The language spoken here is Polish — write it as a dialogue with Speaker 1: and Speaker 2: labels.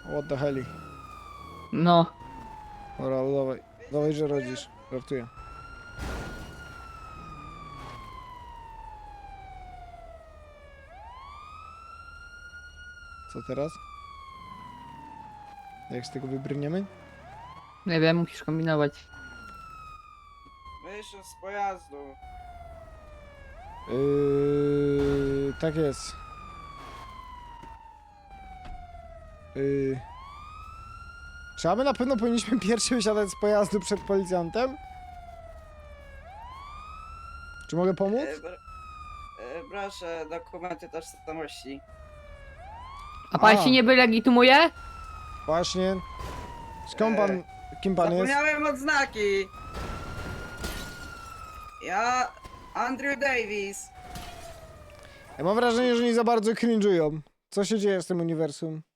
Speaker 1: What the hell?
Speaker 2: No.
Speaker 1: Dobra, dawaj. Dawaj, że rodzisz. Żartuję. Co teraz? Jak z tego wybrniemy?
Speaker 2: Nie wiem, musisz kombinować.
Speaker 3: Wyszedł z pojazdu.
Speaker 1: Tak jest. Czy my na pewno powinniśmy pierwszy wysiadać z pojazdu przed policjantem? Czy mogę pomóc?
Speaker 3: Proszę, dokumenty tożsamości.
Speaker 2: A pan
Speaker 1: A.
Speaker 2: się nie legitymuje?
Speaker 1: Właśnie. Skąd pan... Kim pan jest?
Speaker 3: Zapomniałem odznaki. Ja... Andrew Davis.
Speaker 1: Ja mam wrażenie, że nie za bardzo cringe'ują. Co się dzieje z tym uniwersum?